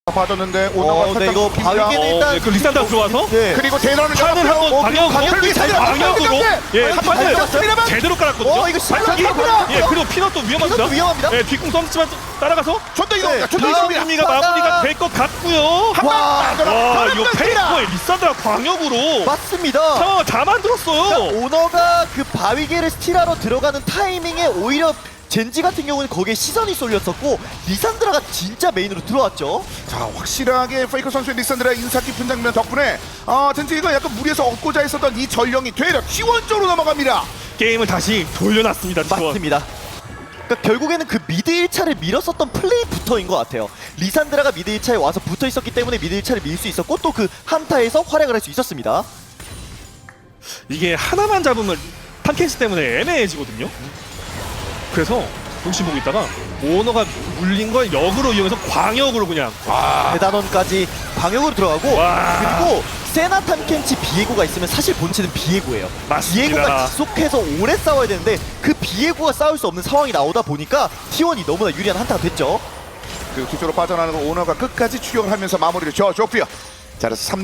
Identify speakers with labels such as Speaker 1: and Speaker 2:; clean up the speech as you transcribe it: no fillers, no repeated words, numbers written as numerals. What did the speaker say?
Speaker 1: 빠졌는데 오너가
Speaker 2: 네, 이거 바위게는 일단
Speaker 3: 그 리산드라 들어와서
Speaker 2: 네.
Speaker 1: 그리고 대란을
Speaker 3: 판을 한번
Speaker 1: 방역으로
Speaker 3: 방역으로 예, 한 판을
Speaker 1: 잡습니다만
Speaker 3: 제대로 깔았거든요.
Speaker 2: 이거 실력
Speaker 3: 발차기.
Speaker 2: 잡구나.
Speaker 3: 예, 그리고 피넛도 위험합니다.
Speaker 2: 피넛도 위험합니다.
Speaker 3: 예, 뒷공 썸치만 따라가서
Speaker 1: 존도 이동입니다. 존도
Speaker 2: 네.
Speaker 1: 이동입니다.
Speaker 3: 승리가 마무리가 될 것 같고요.
Speaker 2: 와,
Speaker 3: 와, 이거 페이커의 리산드라 광역으로
Speaker 2: 맞습니다.
Speaker 3: 상황을 다 만들었어요.
Speaker 2: 오너가 그 바위게를 스틸하러 들어가는 타이밍에 오히려 젠지 같은 경우는 거기에 시선이 쏠렸었고 리산드라가 진짜 메인으로 들어왔죠.
Speaker 1: 자, 확실하게 페이커 선수의 리산드라 인사 깊은 장면 덕분에 젠지가 약간 무리해서 얻고자 했었던 이 전령이 되려 T1 쪽으로 넘어갑니다.
Speaker 3: 게임을 다시 돌려놨습니다. T1.
Speaker 2: 맞습니다. 그러니까 결국에는 그 미드 1차를 밀었었던 플레이부터인 것 같아요. 리산드라가 미드 1차에 와서 붙어 있었기 때문에 미드 1차를 밀 수 있었고 또 그 한타에서 활약을 할 수 있었습니다.
Speaker 3: 이게 하나만 잡으면 탐켄시 때문에 애매해지거든요. 그래서 동심 보고 있다가 오너가 물린 걸 역으로 이용해서 광역으로 그냥
Speaker 2: 대단원까지 방역으로 들어가고
Speaker 3: 와.
Speaker 2: 그리고 세나 탐켄치 비에고가 있으면 사실 본체는 비에고예요.
Speaker 3: 맞습니다.
Speaker 2: 비에고가 지속해서 오래 싸워야 되는데 그 비에고가 싸울 수 없는 상황이 나오다 보니까 T1이 너무나 유리한 한타가 됐죠.
Speaker 1: 그리고 뒤쪽으로 빠져나가는 오너가 끝까지 추격을 하면서 마무리를 져줬고요. 자, 그래서